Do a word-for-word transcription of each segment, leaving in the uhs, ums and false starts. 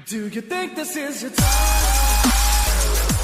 Do you think this is your time?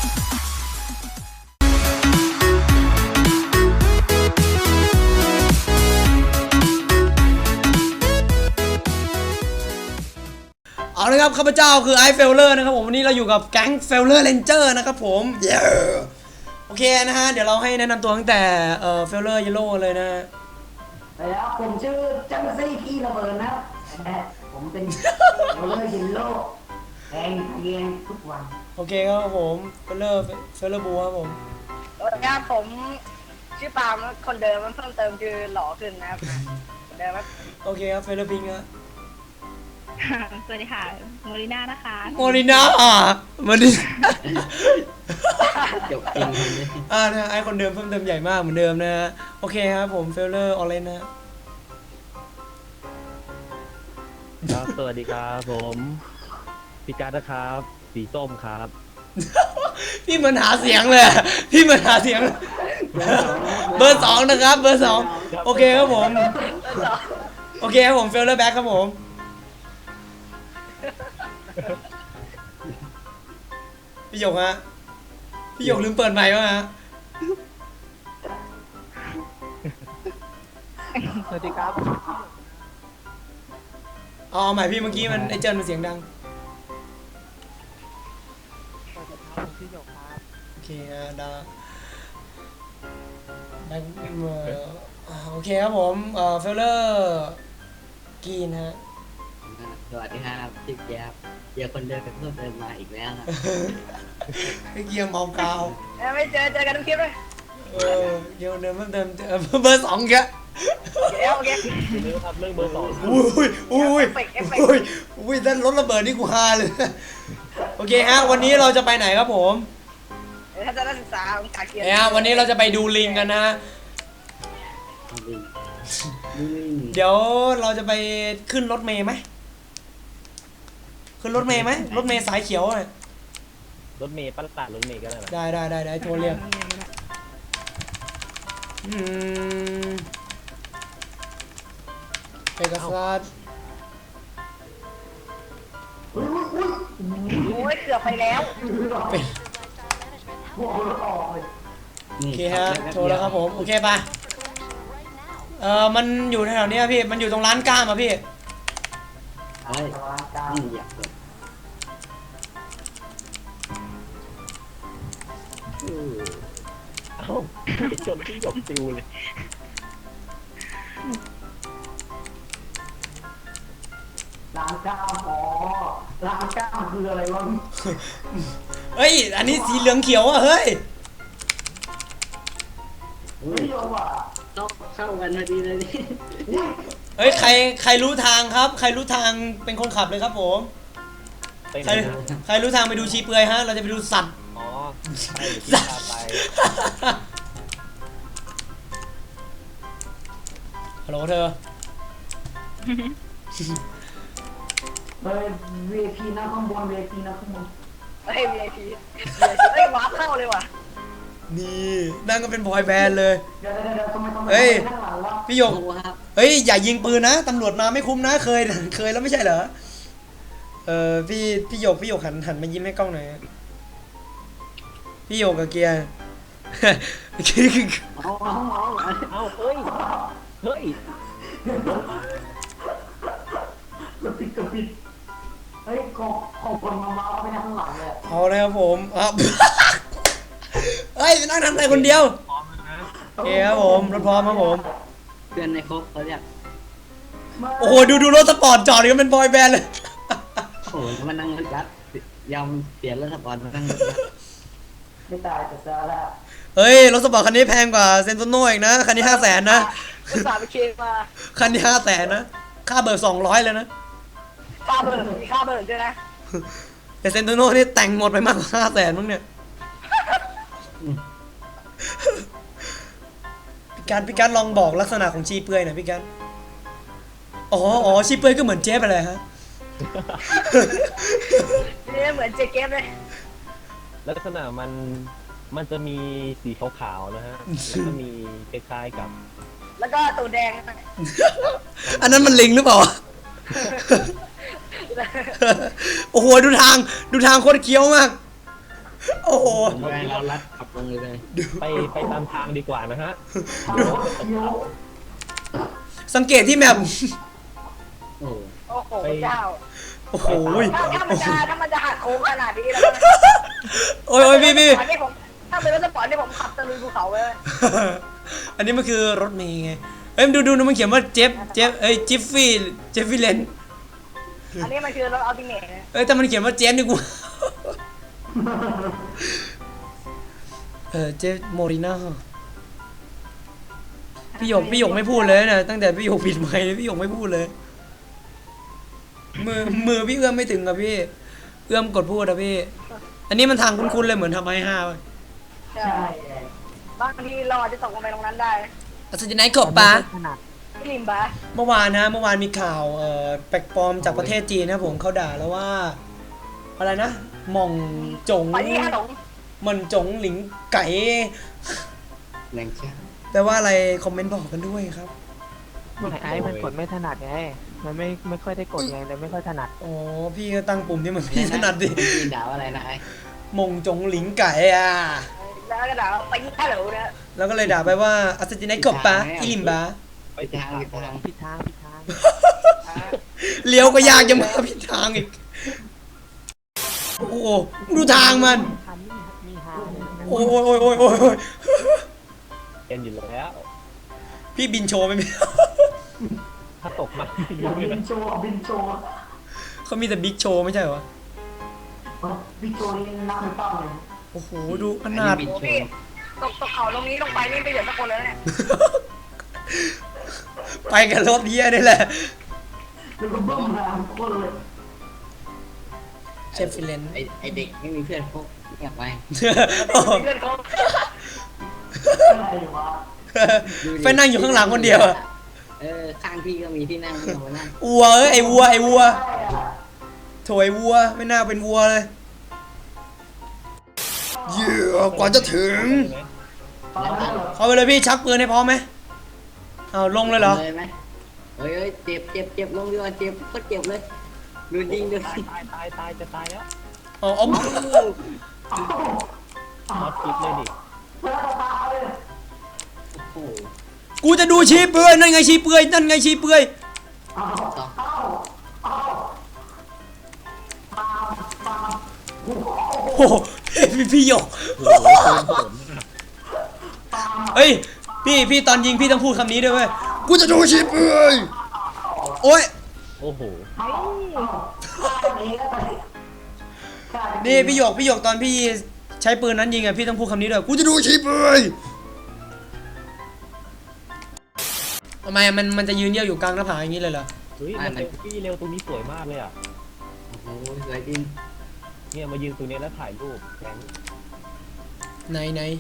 เอาละครับข้าพเจ้าคือไอเฟลเลอร์นะครับผมวันนี้เราอยู่กับแก๊งเฟลเลอร์เรนเจอร์นะครับผมเย้โอเคนะฮะเดี๋ยวเราให้แนะนำตัวตั้งแต่เอ่อเฟลเลอร์เยลโล่เลยนะแล้วผมชื่อจังซี่พี่ระเบิดนะผมเป็นเฟลเลอร์ยินโลแทงเยียงทุกวันโอเคครับผมเฟลเลอร์เฟลเลอร์บูครับผมสวัสดีครับผมชื่อปาล์มคนเดิมมันเพิ่มเติมคือหล่อขึ้นนะครับเดิมครับโอเคครับเฟลเลอร์พิงค์ครับสวัสดีค่ะโมลิน่านะคะโมลิน่าอ่ะมันดิจบจริงเลยอ่านะไอคนเดิมเพิ่มเติมใหญ่มากเหมือนเดิมนะฮะโอเคครับผมเฟลเลอร์ออเรนนะครับสวัสดีครับผมพี่การ์ดนะครับสีส้มครับพี่เหมือนหาเสียงเลยอะพี่เหมือนหาเสียง เบอร์สองนะครับเบอร์สองโอเคครับผมโอเคครับผมเฟลเลอร์แบ็คครับผมพี่หยกฮะพี่หยกลืมเปิดไมค์วะฮะสวัสดีครับอ๋อหมายพี่เมื่อกี้มันไอเจินมันเสียงดังโอเคฮะดาแบ็คเอ่อโอเคครับผมเอ่อเฟลเลอร์กีนฮะสวัสดีครับจิ๊บแจ๊บเจอคนเดินไปเพิ่มเติมมาอีกแล้วครับไอเกียร์เมากาวไม่เจอเจอกันทุกคลิปเลยเออเกียร์เดิมเพิ่มเติมเอ่อเบอร์สองแกเดี๋ยวโอเคอย่าลืมครับเรื่องเบอร์สองอุ้ยอุ้ยอุ้ยอุ้ยนั่นรถระเบิดนี่กูฮาเลยโอเคฮะวันนี้เราจะไปไหนครับผมถ้าจะนักศึกษาของขาเกียร์เนี่ยวันนี้เราจะไปดูลิงกันนะ เดี๋ยวเราจะไปขึ้นรถเมย์ไหมขึ้นรถเมย์ไหมรถเมย์สายเขียวเลยรถเมย์ปั้นตัดรถเมย์ก็ได้นะได้ได้ได้ได้โทรเรียกอืมเอกสารโอ้ยเกือบไปแล้วเป็นโอเคฮะโทรแล้วครับผมโอเคปะเออมันอยู่แถวๆนี้พี่มันอยู่ตรงร้านก้ามอะพี่เฮ้ยนี่อยากเปิดเอ้าจนที่หยกติวเลยร้านก้ามอ๋อร้านก้ามคืออะไรวะเฮ้ยอันนี้สีเหลืองเขียวอะเฮ้ยไม่ยอมอ่ะต้องเข้ากันพอดีเลยนี่เฮ้ยใครใครรู้ทางครับ ใครรู้ทางเป็นคนขับเลยครับผมไปไหใคน รนะใครรู้ทางไปดูชีเปลือยฮะเราจะไปดูสัตว์อ๋อใช่เดี๋ยวพี่พาไปฮัลโหลเธอเฮ้ย วี ไอ พี นะข้างบน วี ไอ พี นะข้างบนเฮ้ย วี ไอ พี เฮ้ยวาร์ปเข้าเลยว่ะนี่นั่งก็เป็นบอยแบนด์เลยเดี๋ยวเดี๋ยวเดี๋ยวทำไมทำไมเฮ้ยข้างหลังวะพี่หยกโอ้ครับเฮ้ยอย่ายิงปืนนะตำรวจมาไม่คุ้มนะเคยเคยแล้วไม่ใช่เหรอเออพี่พี่หยกพี่หยกหันหันมายิ้มให้กล้องหน่อยพี่หยกกับเกียร์เอาเอาเอาเอ้าเฮ้ยเฮ้ยกระปิดกระปิดเฮ้ยของของคนมามาเอาไปนั่งข้างหลังเลยเอาเลยครับผมอ่ะ เฮ้ยไปนั่งทำอะไรคนเดียวพร้อมแล้วนะโอเคครับผมรถพร้อมครับผมเพื่อนในครบเขาเรียกโอ้โหดูดูรถสปอร์ตจอดกันเป็นบอยแบนด์เลยโอ้โหมานั่งรถยัดยอมเปลี่ยนรถสปอร์ตมานั่งรถยัดไม่ตายแต่ซาละเฮ้ยรถสปอร์ตคันนี้แพงกว่าเซนโตโน่อีกนะคันนี้ห้าแสนนะอุตส่าห์ไปเคลมมาคันนี้ห้าแสนนะค่าเบิกสองร้อยเลยนะค่าเบิร์นมีค่าเบิร์นด้วยนะแต่เซนโตโน่นี่แต่งหมดไปมากกว่าห้าแสนมั้งเนี่ยพี่การพี่การลองบอกลักษณะของชีเปลือยหน่อยพี่การอ๋ออ๋อชีเปลือยก็เหมือนเจ๊ไปเลยฮะนี่เหมือนเจเกมเลยลักษณะมันมันจะมีสีขาวๆนะฮะแล้วก็มีคล้ายๆกับแล้วก็ตัวแดงอันนั้นมันลิงหรือเปล่าโอ้โหดูทางดูทางโคตรเคี้ยวมากโอ้โหไปเราลัดขับลงเลยเลยไปไปตามทางดีกว่านะฮะสังเกตที่แมพโอ้โอ้โหเจ้าโอ้โหถ้าถ้ามันจะถ้ามันจะหักโค้งขนาดนี้แล้วโอ้ยโอ้ยพี่พี่ถ้าเป็นรถสปอร์ตที่ผมขับตะลุยภูเขาเลยอันนี้มันคือรถเมย์ไงเอ้ยดูดูดูมันเขียนว่าเจฟเจฟเอ้ยจิฟฟี่เจฟฟี่เลนอันนี้มันคือรถอัลติเมทเอ้ยแต่มันเขียนว่าเจฟนี่กูเออเจฟโมริน่าพี่หยกพี่หยกไม่พูดเลยนะตั้งแต่พี่หยกปิดไมค์พี่หยกไม่พูดเลยมือมือพี่เอื้อมไม่ถึงอะพี่เอื้อมกดพูดอะพี่อันนี้มันทางคุ้นๆเลยเหมือนทำไอห้าใช่บางทีเราอาจจะตกลงไปตรงนั้นได้อัศจรรย์ขอบปะพี่ลิมบะเมื่อวานนะเมื่อวานมีข่าวเอ่อแปลกปลอมจากประเทศจีนนะผมเขาด่าแล้วว่าอะไรนะหม่องจงไปที่ขนมหมันจงหลิงไก่แรงเชียแต่ว่าอะไรคอมเมนต์บอกกันด้วยครับไอ้มันกดไม่ถนัดไง มันไม่ไม่ค่อยได้กดไงเลยไม่ค่อยถนัดอ๋อพี่ก็ตั้งปุ่มที่มันพี่ถนัดดิพี่ด่าว่าอะไรนะไอ้หม่องจงหลิงไก่อ่ะแล้วก็ด่าไปที่ขนมนะแล้วก็เลยด่าไปว่าอัศจรรย์ขอบปะอิลิมบะไปทางไปทางผิดทางผิดทางเลี้ยวก็ยากจะมาผิดทางอีกโอ้โหดูทางมันทันมีมีฮาเลยนะโอ้ยโอ้ยโอ้ยโอ้ยโอ้ยโอ้ยเอ็นอยู่แล้วพี่บินโชว์ไหมพี่ถ้าตกมาบินโชว์บินโชว์เขามีแต่บิ๊กโชว์ไม่ใช่เหรอบินโชว์นี่นักไม่ต้องเลยโอ้โหดูขนาดบินโชพี่ว์ตกตกเขาตรงนี้ลงไปนี่ไม่เหลือสักคนแล้วเนี่ยไปกับรถเฮียนี่แหละแล้วก็บึ้มมาคนเลยเชฟฟิเลนไอไอเด็กไม่มีเพื่อนพวกเงียบไปเพื่อนเขาอะไรวะไปนั่งอยู่ข้างหลังคนเดียวอะเออข้างพี่ก็มีที่นั่งที่เรานั่งวัวเอ้ยไอวัวไอวัวโถไอวัวไม่น่าเป็นวัวเลยเยอะกว่าจะถึง เข้าไปเลยพี่ชักปืนให้พร้อมไหมเอาลงเลยเหรอเลยไหมเฮ้ยเฮ้ยเจ็บเจ็บเจ็บลงดีกว่าเจ็บก็เจ็บเลยดูยิงดูตายตายตายตายจะตายแล้วเอาเอาน็อตคลิปเลยดิโอ้โหกูจะดูชี้เปื่อยนั่นไงชี้เปื่อยนั่นไงชี้เปื่อยต่อโอ้โหพี่พี่หยกโอ้โหปืนผมมากเฮ้ยพี่พี่ตอนยิงพี่ต้องพูดคำนี้ด้วยเว้ยกูจะดูชี้เปื่อยโอ้ยโอ้โหนี่พี่หยกพี่หยกตอนพี่ใช้ปืนนั้นยิงอ่ะพี่ต้องพูดคำนี้ด้วยกูจะดูชี้เปื่อยทำไมมันมันจะยืนเยี่ยวอยู่กลางหน้าผาอย่างนี้เลยเหรอเฮ้ยมันเซลฟี่เร็วตรงนี้สวยมากเลยอ่ะโอ้โหสวยจริงเนี่ยมายืนตรงนี้แล้วถ่ายรูปแก๊งไหนไหน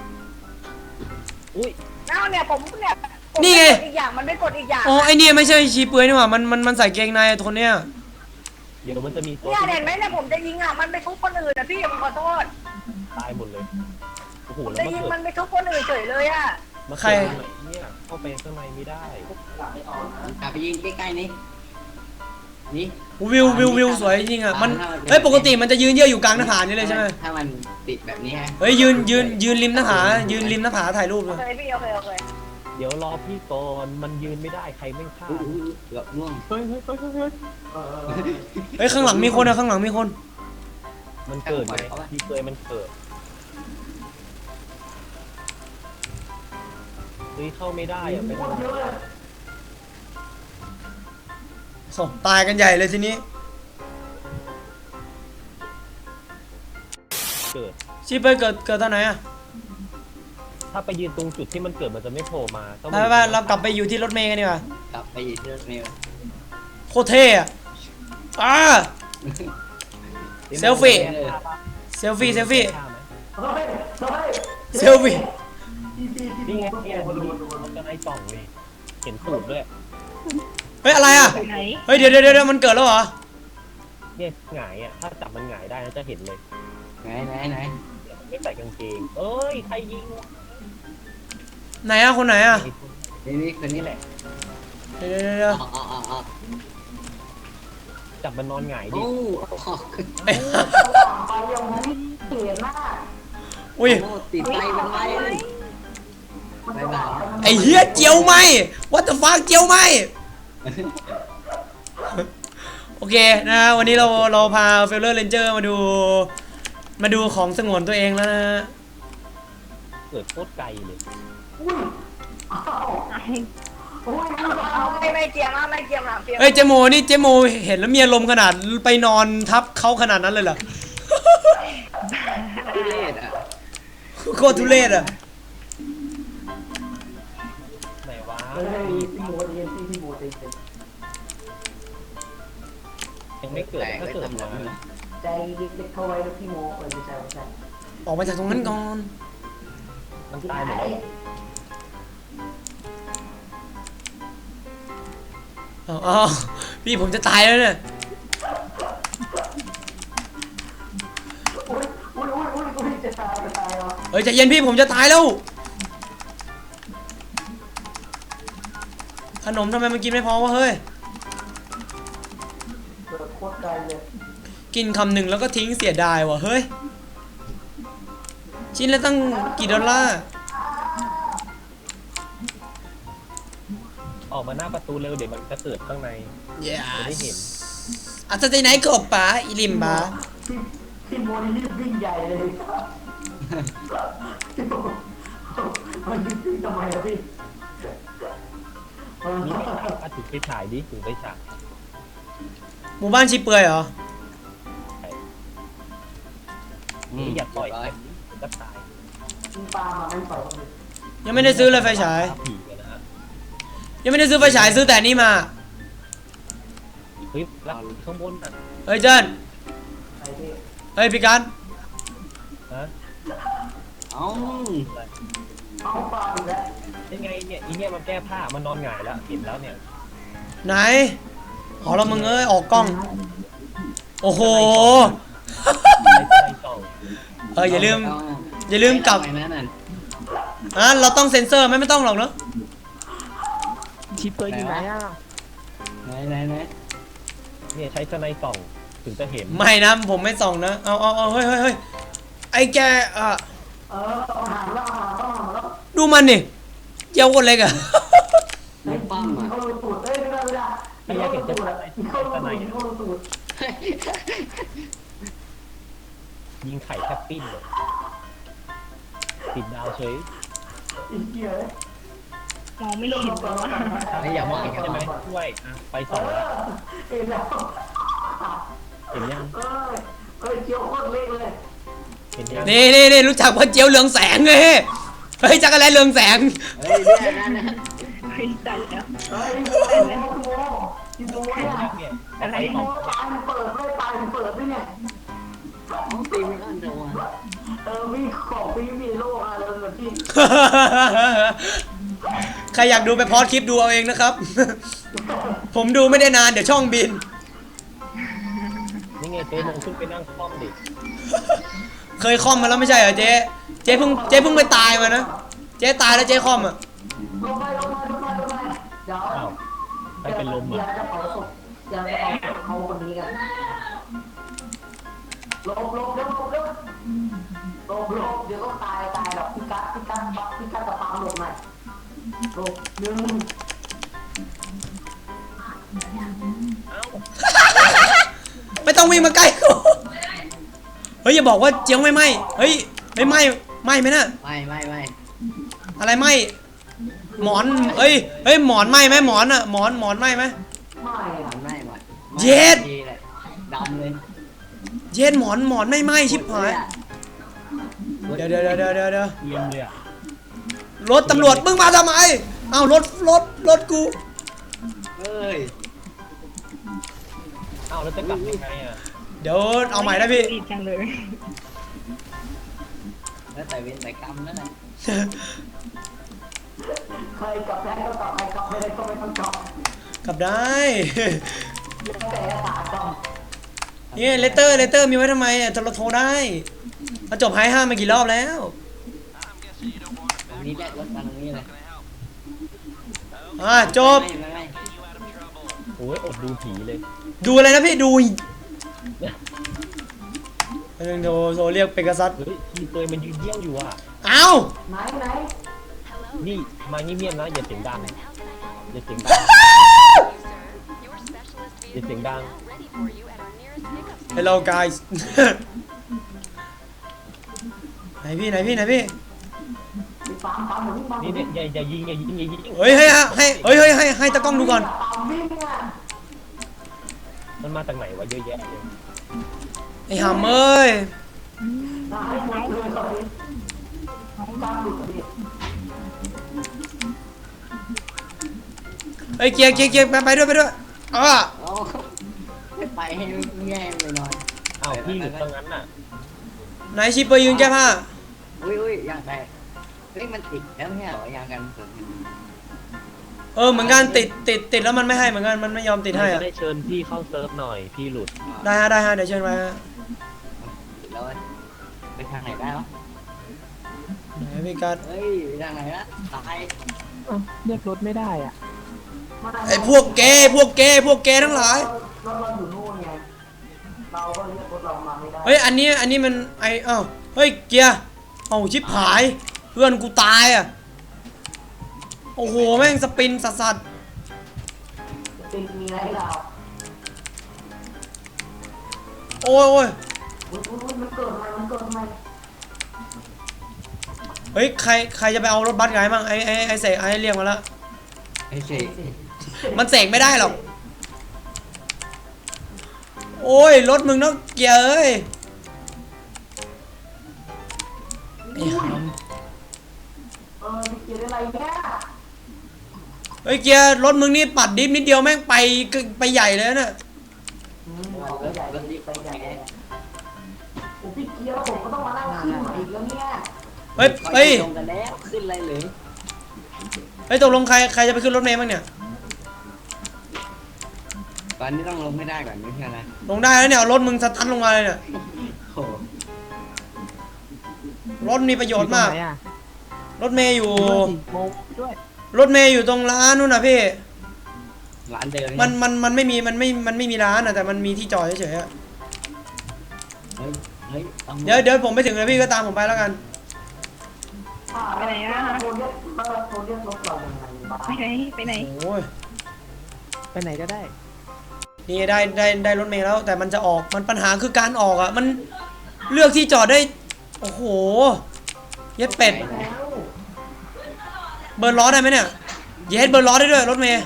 อุ้ยแล้วเนี่ยผมเนี่ยนี่ไงอีกอย่างมันไม่กดอีกอย่างอ๋อไอเนี่ยไม่ใช่ชี้เปื่อยนี่หว่ามันมันมันใส่เกงในตัวเนี้ยเดี๋ยวมันจะมีตัวเนี่ยเห็นไหมเนี่ยผมจะยิงอ่ะมันไปทุบคนอื่นนะพี่ผมขอโทษตายหมดเลยโอ้โหผมแล้วจะมายิงเกิดมันไปทุบคนอื่นเฉยเลยอ่ะมาเกิดตรงไหนเนี่ยเข้าไปข้างในไม่ได้กลับไปยิงใกล้ๆนี่นี่วิววิววิวสวยจริงอ่ะมันเฮ้ยปกติมันจะยืนเยี่ยวอยู่กลางหน้าผานี่เลยใช่ไหมถ้ามันติดแบบนี้ฮะเฮ้ยยืนยืนยืนริมหน้าผายืนริมหน้าผาถ่ายรูปเลโอย เคพี่โอเคโอเคเดี๋ยวรอพี่ก่อนมันยืนไม่ได้ใครไม่ฆ่าอุ้ยอุ้ยเกือบล่วงเฮ้ยเฮ้ยเฮ้ยเฮ้ยเฮ้ยข้างหลังมีคนอะข้างหลังมีคนมันเกิดไงพี่เคยมันเกิดเฮ้ยเข้าไม่ได้อะเป็นอะไรโอ้ตายกันใหญ่เลยทีนี้เกิดชีเปื่อยเกิดเกิดตอนไหนอะถ้าไปยืนตรงจุดที่มันเกิดมันจะไม่โผล่มาต้องไปไปเรากลับไปอยู่ที่รถเมย์กันดีกว่ากลับไปอยู่ที่รถเมล์โคตรเท่อะอ่า เซลฟี่ เซลฟี่เซลฟี่เซลฟี่นี่ไงเนี่ยมันจะในกล่องเลยเห็นตูดด้วยเฮ้ยอะไรอะไหนเฮ้ยเดี๋ยวเดี๋ยวเดี๋ยวมันเกิดแล้วเหรอเนี่ยหงายอ่ะถ้าจับมันหงายได้นะจะเห็นเลยไหนไหนไหนเนี่ยมันไม่ใส่กางเกงเอ้ยใครยิงวะไหนอะคนไหนอะนี่นี่คนนี้แหละเดี๋ยวเดี๋ยวเดี๋ยวออกออกออกออกจับมันนอนหงายดิโอ้ออกเอ้ยไปยังไม่เปลี่ยนหน้าอุ้ยโอ้ติดไฟมันไว้เลยบายบายไอ้เหี้ยเจียวไหม what the fuck เจียวไหม โอเคนะวันนี้เราเราพาเฟลเลอร์เรนเจอร์มาดู มาดูของสงวนตัวเองแล้วนะเกิดโคตรไกลเลยอุ้ยอ้าวอุ้ยไม่ไม่เจียมนะไม่เจียมนะเจียมเอ้ยเจโมนี่เจโมเห็นแล้วมีอารมณ์ขนาดไปนอนทับเขาขนาดนั้นเลยเหรอทุเรศอ่ะโคตรทุเรศอ่ะไหนวะเฮ้ยพี่โมเรียนพี่พี่โมเรียนยังไม่เกิดแตกถ้าไว้เกิดทำหนัมางนะใจเด็กๆเข้าไว้แล้วพี่โมเออไม่ใช่ไม่ใช่ออกมาจากตรงนั้นก่อนมันตายหมดแล้วอ๋อาวพี่ผมจะตายแล้วเนี่ยอุ้ยอุ้ยอุ้ยอุ้ยอุ้ยจะตายจะตายเหรอเฮ้ยใจเย็นพี่ผมจะตายแล้ว ขนมทำไมมันกินไม่พอวะเฮ้ยเกิดโคตรไกลเลยกินคำหนึ่งแล้วก็ทิ้งเสียดายวะเฮ้ย ชิ้นละตั้งกี่ดอลลาร์ออกมาหน้าประตูเร็วเดี๋ยวมันจะเกิดข้างใน จะได้เห็นอาจจะไหนกบปะอีลิมปะพี่พี่โมนี่รีบวิ่งใหญ่เลยพี่โมมันรีบวิ่งทำไมอะพี่เออนี่ไม่ใช่ปะถือไปฉายดิถือไปฉายหมู่บ้านชีเปลือยเหรอนี่อย่าปล่อยไปมันก็ตายพี่ปามาไม่ปล่อยเลยยังไม่ได้ซื้อเลยไฟฉายผีกันนะฮะยังไม่ได้ซื้อไฟฉายซื้อแต่นี่มาเฮ้ยแล้วข้างบนอ่ะเฮ้ยเจิ้นไอ้พี่เฮ้ยพี่กันฮะเอ้าเอาปลาอีกแล้วยังไงเนี่ยอีเนี่ยมันแก้ผ้ามันนอนหงายแล้วเห็นแล้วเนี่ยไหนอ๋อแล้วมึงเอ้ยออกกล้อง โอ้โหไอ้ตัวไอ้กล่องเอออย่าลืม อย่าลืมกลับไปนั่นน่ะอ่ะเราต้องเซ็นเซอร์ไหมไม่ต้องหรอกเนอะชิปเปอร์อยู่ไหนอ่ะไหนไหนไหนเนี่ยใช้สไนส่องถึงจะเห็นไม่นะผมไม่ส่องนะ เอาเอาเอาเฮ้ยเฮ้ยเฮ้ยไอ้แกอ่ะเออเอาหางแล้วเอาหางแล้วเอาหางแล้วดูมันนี่เจ้าคนเล็กอะไม่ปั้มอ่ะเขารู้ตูดเอ้ยไม่ได้ไม่ได้เขารู้ตูดอะเขารู้ตูดเขารู้ตูดยิงไข่แทบปิ้นเลยติดดาวเฉยอีเหี้ยมองไม่เห็นแล้วอะไม่อยากมองใช่ไหมช่วยอ่ะไปสองเอ็นแล้วเห็นยังเอ้ยเอ้ยเจียวโคตรเล็กเลยเห็นยังนี่นี่นี่รู้จักพ่อเจียวเหลืองแสงเลยเฮ้ยจักรแลเรืองแสงเฮ้ยเนี่ยนั่นนะเฮ้ยตัดแล้วเฮ้ยโมโมโมโมเห็นเนี่ยยังเนี่ยอะไรโมตายมันเปิดไม่ตายมันเปิดด้วยเนี่ยต้องตีไม่อันเดียวอ่ะเออมีของมีมีโลกอะไรแบบที่ใครอยากดูไปพอดคลิปดูเอาเองนะครับ ผมดูไม่ได้นานเดี๋ยวช่องบินนี่ไงเจ๊ลงขึ้นไปนั่งคล่อมดิเคยคอมมาแล้วไม่ใช่เหรอเจ๊ เจ๊เพิ่งเจ๊เพิ่งไปตายมานะ เจ๊ตายแล้วเจ๊คอมอ่ะลงไปลงมาลงมาลงมาเดี๋ยวอ้าวไปเป็นลมอย่าอ่ะจะเผาศพอย่าจะเผาศพเขาคนนี้กันลบลบลบลบลบลบลบเดี๋ยวก็ตายตายหรอกพี่กัดพี่กัดบักพี่กัดกับปามลงหน่อยลบหนึ่งไม่ต้องวิ่งมาใกล้กูเฮ้ยอย่าบอกว่าเจียวไม่ไหมเฮ้ยไม่ไหมไหมไหมนะไม่ไม่ไม่อะไรไหมหมอนเฮ้ยเฮ้ยหมอนไหมไหมหมอนอ่ะหมอนหมอนไหมไหมไม่อะไม่ไม่เย็ดดำเลยเย็นหมอนหมอนไม่ไหมชิบหายเดี๋ยวเดี๋ยวเดี๋ยวเดี๋ยวเดี๋ยวเดี๋ยวเยี่ยมเลยอ่ะรถตำรวจมึงมาทำไมเอ้ารถรถรถกูเฮ้ยอ้าวแล้วจะกลับยังไงอ่ะเดี๋ยวเอาใหม่นะพี่รีบจังเลยแล้วแต่เวรแต่กรรมนั่นแหละใครกลับได้ก็กลับใครกลับไม่ได้ก็ไม่ต้องกลับกลับได้แล้วแต่ตากรรมนี่เลเตอร์เลเตอร์มีไว้ทำไมอ่ะเราโทรได้เราจบไฮห้ามากี่รอบแล้วตรงนี้แหละรถมาตรงนี้เลยอ่าจบไม่ไม่ไม่โหอ้ยอดดูผีเลยดูอะไรนะพี่ดูอันนึงโทรโทรเรียกเปกัสซัสเฮ้ยทีเตยมันยืนเยี่ยวอยู่อ่ะเอ้าไหนไหนนี่มาเงียบๆนะอย่าเสียงดังอย่าเสียงดังอย่าเสียงดัง Hello guys ไหนพี่ไหนพี่ไหนพี่มีปามปามหรือปามนี่เนี่ยอย่าอย่ายิงอย่ายิงอย่ายิงเฮ้ยให้ให้เฮ้ยเฮ้ยให้ให้ตากล้องดูก่อนปามวิ่งอ่ะมันมาจากไหนวะเยอะแยะเลยไอ้หำเอ้ยตายหมดเลยตอนนี้ปามหลุดดิเฮ้ยเกียร์เกียร์เกียร์ไปไปด้วยไปด้วยอ่ะเอาไปให้แง่ไปหน่อยอ้าวพี่หลุดตรงนั้นน่ะไหนชิปเปอร์ยืนแก้ผ้าอุ้ยอุ้ยยางแตกเฮ้ยมันติดแล้วเนี่ยเหรอยางกันฝนเออเหมือนกันติดติดติดแล้วมันไม่ให้เหมือนกันมันไม่ยอมติดให้จะอ่ะได้เชิญพี่เข้าเซิร์ฟหน่อยพี่หลุดได้ฮะได้ฮะเดี๋ยวเชิญมาฮะติดแล้วไปทางไหนได้วะไหนพี่กัสเฮ้ยไปทางไหนละตายเอ้าเรียกรถไม่ได้อ่ะไอ้พวกเกย์พวกเกย์พวกเกย์ทั้งหลายรถเราอยู่นู่นไงเราก็เรียกรถเรามาไม่ได้เฮ้ยอันนี้อันนี้มันไอเอ้าเฮ้ยเกียร์เอ้าชิบหายเพื่อนกูตายอ่ะโอ้โหแม่งสปินสัสสัสเป็นมีอะไรให้เราโอ้ยโอ้ยอุ้ยอุ้ยอุ้ยมันเกิดใหม่มันเกิดใหม่เฮ้ยใครใครจะไปเอารถบัสไงบ้างไอไอไอเสกไอเรียกมาแล้วไอ้เสกมันเสกไม่ได้หรอกโอ้ยรถมึงเนาะเกียร์เอ้ยไอ้หำเออมีเกียร์อะไรเนี่ยเฮ้ยเกียร์รถมึงนี่ปัดดิฟนิดเดียวแม่งไปไปใหญ่เลยนะอืมเอาไปใหญ่เลยไปใหญ่เลยโอ้พี่เกียร์ผมก็ต้องมานั่งขึ้นใหม่อีกแล้วเนี่ยเฮ้ยเฮ้ยลงกันแล้วขึ้นอะไรเลยเฮ้ยตกลงใครใครจะไปขึ้นรถเมล์บ้างเนี่ยตอนนี้ต้องลงไม่ได้ก่อนไม่ใช่ไหมลงได้แล้วเนี่ยเอารถมึงสตันลงมาเลยเนี่ยโอ้รถมีประโยชน์มากอไหนอะรถเมย์อยู่สี่โมงด้วยรถเมย์อยู่ตรงร้านนู่นนะพี่ร้านเดิมมันมันมันไม่มีมันไม่มันไม่มีร้านอะแต่มันมีที่จอดเฉยๆอะเฮ้ยเฮ้ยเดี๋ยวเดี๋ยวผมไปถึงแล้วพี่ก็ตามผมไปแล้วกันไปไหนอะโทรเรียกเออโทรเรียกรถเรายังไงบ้างไปไหนไปไหนโอ้ยไปไหนก็ได้นี่ได้ได้ได้รถเมล์แล้ว แต่มันจะออกมันปัญหาคือการออกอะมันเลือกที่จอดได้โอ้โหเย็ดเป็ดแล้วเบิร์นล้อได้ไหมเนี่ยเย็ดเบิร์นล้อได้ด้วยรถเมย์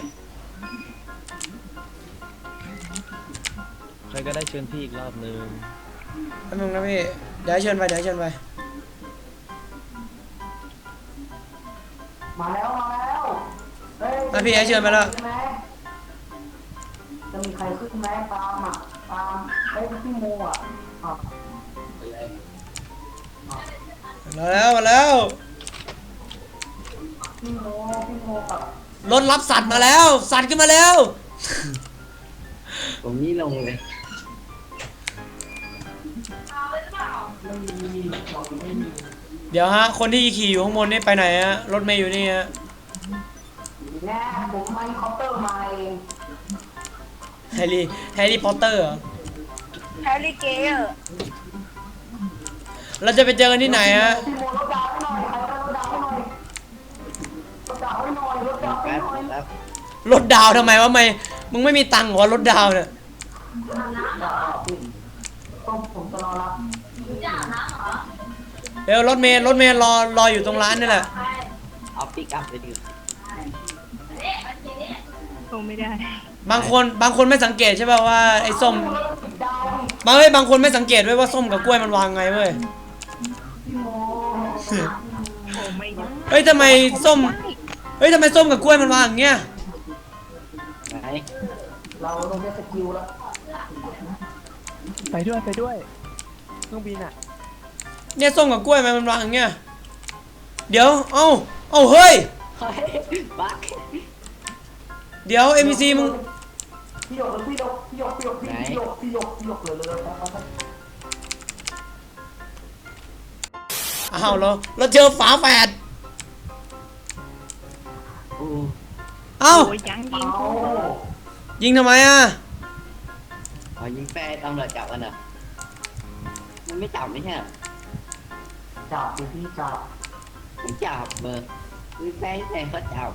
ใครก็ได้เชิญพี่อีกรอบนึงแป๊บนึงนะพี่เดี๋ยวให้เชิญไปเดี๋ยวให้เชิญไปมาแล้วมาแล้วเฮ้ยอ่ะพี่ให้เชิญไปแล้วใช่ไหมจะมีใครขึ้นไหมตามอ่ะตามเฮ้ยพี่โมอ่ะอ่ะไปเลยมาแล้วมาแล้วพี่โมพี่โมกับรถรับสัตว์มาแล้ว สัตว์ขึ้นมาแล้วผมนี่ลงเลยไม่มีบอกไม่มีเดี๋ยวฮะคนที่ขี่อยู่ข้างบนนี่ไปไหนฮะรถเมย์อยู่นี่ฮะแน่ผมไม่คอปเตอร์มาเองแฮร์รี่แฮร์รี่พอตเตอร์เหรอแฮร์รี่เกย์เราจะไปเจอกันที่ไหนฮะพี่โมรถดาวให้หน่อยใครก็รถดาวให้หน่อยรถดาวให้หน่อยรถดาวให้แป๊บหน่อยแป๊บรถดาวทำไมวะไม่มึงไม่มีตังค์เหรอรถดาวเนี่ยต้องผมจะรอรับเดี๋ยวรถเมย์รถเมย์รอรออยู่ตรงร้านนี่แหละเอาปิกอัพไปดิคงไม่ได้บางคนบางคนไม่สังเกตใช่ป่ะว่าไอ้ส้มดาวดิบางเฮ้ยบางคนไม่สังเกตด้วยว่าส้มกับกล้วยมันวางไงเว้ยพี่โมโอ้ไม่ได้เฮ้ยทำไมส้มเฮ้ยทำไมส้มกับกล้วยมันวางอย่างเงี้ยไหนเราต้องได้สกิลแล้วไปด้วยไปด้วยเครื่องบินอ่ะเนี่ยส้มกับกล้วยมันวางอย่างเงี้ยเดี๋ยวเอ้าเอ้าเฮ้ยเฮ้ยบักเดี๋ยว เอ็ม บี ซี มึงพี่หยกพี่หยกพี่หยกพี่หยกพี่หยกพี่หยกพี่หยกเลยเลยไปไปอ้าวเราเราเจอฝาแฝดโอ้เอ้าโอ้ยยังยิงเอากูยิงทำไมอ่ะอ๋อยิงแฟร์ตำรวจจับกันเหรอมันไม่จับไม่ใช่เหรอจับดิพี่จับผมจับเบอร์ยิงแฟร์แต่เขาจับ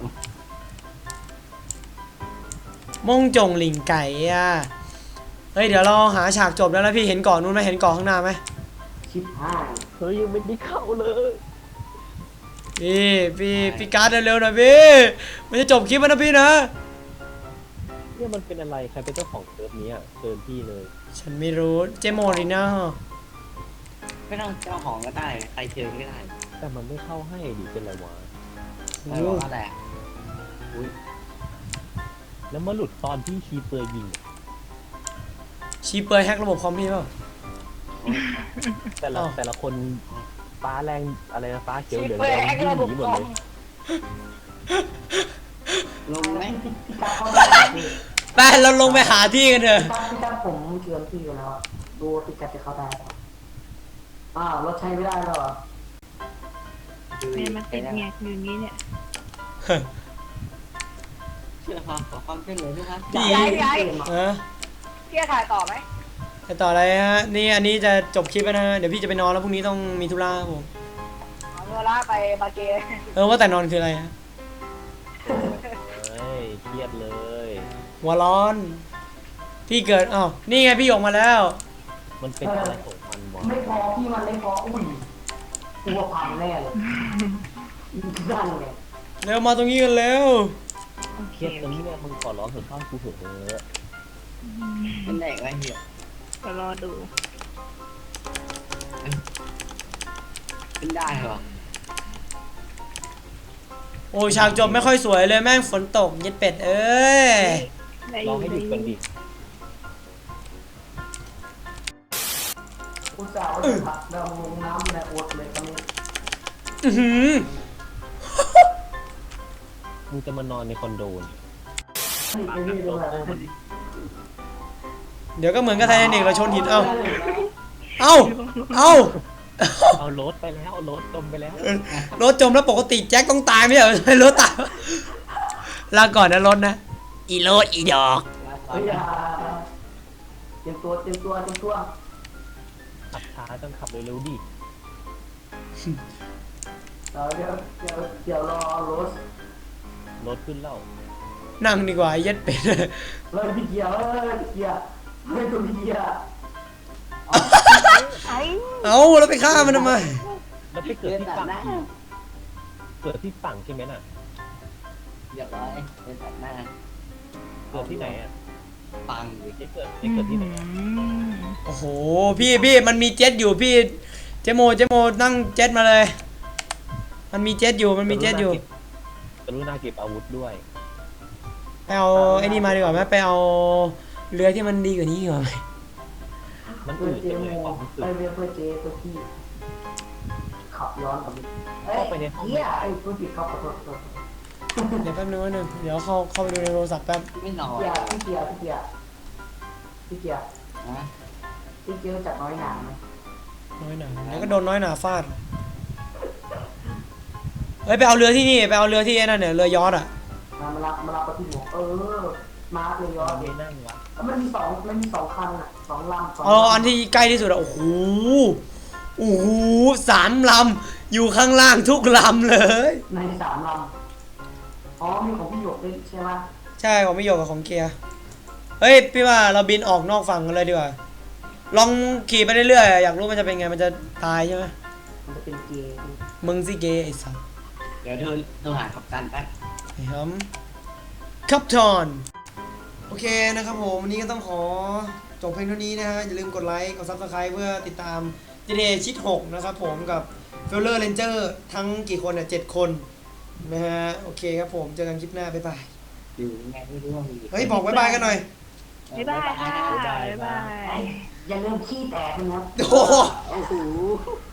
มงจงหลิงไก่อ่ะเฮ้ยเดี๋ยวเราหาฉากจบแล้วนะพี่เห็นเกาะนู้นไหมเห็นเกาะข้างหน้าไหมชิบหายเฮ้ยยังไม่ได้เข้าเลยพี่พี่พี่การ์ดเร็วๆหน่อยพี่มันจะจบคลิปแล้วนะพี่นะเนี่ยมันเป็นอะไรใครเป็นเจ้าของเซิร์ฟนี้อ่ะเชิญพี่เลยฉันไม่รู้เจโมริน่าไม่ต้องเจ้าของก็ได้ใครเชิญก็ได้แต่มันไม่เข้าให้ดิเป็นไรวะไม่รู้ว่าอะไรอ่ะอุ้ยแล้วมาหลุดตอนที่คีเปอร์ยิงอะชีเปอร์แฮกระบบคอมพี่เปล่าแต่ละอ้าวแต่ละคนฟ้าแรงอะไรนะฟ้าเขียวชีเหลืองเปอแดร์งแฮกวิ่ระงบหบนีหมคดอเลมยลงไหมพี่พี่การเขาได้พี่ไปเราลงไปหาที่กันเถอะพี่การพี่การผมเชิญพี่กันแล้วอะดูว่าพี่การจะเข้าได้ปะอ้าวรถใช้ไม่ได้แล้วเหรอเนี่ยมันติดแงกอยู่นี้เนี่ยเชื่อครับขอความช่วยเหลือด้วยครับพี่ย้ายย้ายฮะพี่จะถ่ายต่อไหมไปต่ออะไรฮะนี่อันนี้จะจบคลิปแล้วนะฮะเดี๋ยวพี่จะไปนอนแล้วพรุ่งนี้ต้องมีธุระครับผมเอาเวลาไปบาเกเออว่าแต่นอนคืออะไรฮะเฮ้ยเครียดเลยหัวร้อน พี่เกิดอ้าวนี่ไงพี่ออกมาแล้วมันเป็นอะไรของมันวะไม่พอพี่มันไม่พออุ้ยกลัวพังแน่เลยนั่นไงเร็วมาตรงนี้กันแล้วโอเคเครียดตรงนี้เนี่ยมึงขอร้องเถอะข้างกูเถอะเออเป็นไหนวะเหี้ยก็รอดูเป็นได้เหรอโอ้ยฉากจบไม่ค่อยสวยเลยแม่งฝนตกเย็ดเป็ดเอ้ยได้อลองยู่ให้หยุดได้กันอดิยู่อุตส่าห์ว่าจะผักดำลงน้ำในอดเลยตอนนี้อื้อหือมึงจะมานอนในคอนโดนี่นี่ไอ้นี่ด้วยเดี๋ยวก็เหมือนกับไททานิกเราชนหินเอ้าเอ้าเอ้าเอารถไปแล้วเอารถจมไปแล้วรถจมแล้วปกติแจ็คต้องตายไม่ใช่เหรอ รถตายลาก่อนนะรถนะอีโรถอีดอกเฮ้ยอย่าเตรียมตัวเตรียมตัวเตรียมตัวขับช้าต้องขับเร็วๆดิเดี๋ยวเดี๋ยวเดี๋ยวเดี๋ยวรอรถรถขึ้นแล้วนั่งดีกว่าไอ้เย็ดเป็ดเฮ้ยพี่เกียร์เฮ้ยพี่เกียร์เฮ้ยตัวพี่เกียร์ไอ้เอ้าแล้วไปฆ่ามันทำไมแล้วไปเกิดที่ฝั่งอีกเกิดที่ฝั่งใช่ไหมน่ะเรียบร้อยเป็นตัดหน้าเกิดที่ไหนอ่ะปังดิไอ้เกิดไอ้เกิดที่ไหนอะอืมโอ้โหพี่พี่มันมีเจ็ตอยู่พี่เจโมเจโมนั่งเจ็ตมาเลย มันมีเจ็ตอยู่มันมีเจ็ตอยู่กรุณาเก็บอาวุธด้วยไปเอาไอ้นี่มาดีกว่าไหมไปเอาเรือที่มันดีกว่านี้ดีกว่าไหมมันเพื่อือดเจจังโมเลยความรู้สึกไปเรียกเพื่อเจเพื่อพี่ขับย้อนกลับเอ้ยเข้าไปในห้องเกียร์ไอ้เพื่อผิดเข้าขอโทษขอโทษเดี๋ยวแป๊บนึงนะหนึ่งเดี๋ยวเข้าเข้าไปดูในโทรศัพท์แป๊บไม่นอนเกียร์พี่เกียร์พี่เกียร์พี่เกียร์นะพี่เกียร์รู้จักน้อยหนาไหมน้อยหนาแล้วก็โดนน้อยหนาฟาดเฮ้ยไปเอาเรือที่นี่ไปเอาเรือที่ไอ้นั่นเนี่ยเรือยอชต์อ่ะมามารับมารับไปที่หัวเออมาเลยย้อนไม่นั่งวะมันมีสองมันมีสองคันอ่ะสองลำสองเอาลำอันที่ใกล้ที่สุดอ่ะโอ้โหโอ้โหสามลำอยู่ข้างล่างทุกลำเลยในสามลำอ๋อมีของพี่หยกด้วยใช่ไหมใช่ของไม่โยกกับของเกียร์เฮ้ยพี่ว่าเราบินออกนอกฝั่งกันเลยดีกว่าลองขี่ไปเรื่อยๆอยากรู้มันจะเป็นไงมันจะตายใช่ไหมมันจะเป็นเกย์มึงสิเกย์ไอ้สัสเดี๋ยวเธอโทรหาขับตันแป๊บไอ้ฮัมคับทอนโอเคนะครับผมวันนี้ก็ต้องขอจบเพลงเท่านี้นะฮะอย่าลืมกดไลค์กดซับสไคร b ์เพื่อติดตาม จี ที เอ ชิดหกนะครับผมกับ เฟลเลอร์ Ranger ทั้งกี่คนเนี่ยเจ็ดคนนะฮะโอเคครับผมเจอกันคลิปหน้าบ๊ายบายอยู่ไงไม่รู้ว่ามีเฮ้ยบอกบ๊ายบายกันหน่อยบ๊ายบายค่ะบ๊ายบายอย่าลืมขี้แตกนะโอ้โหโอ้โห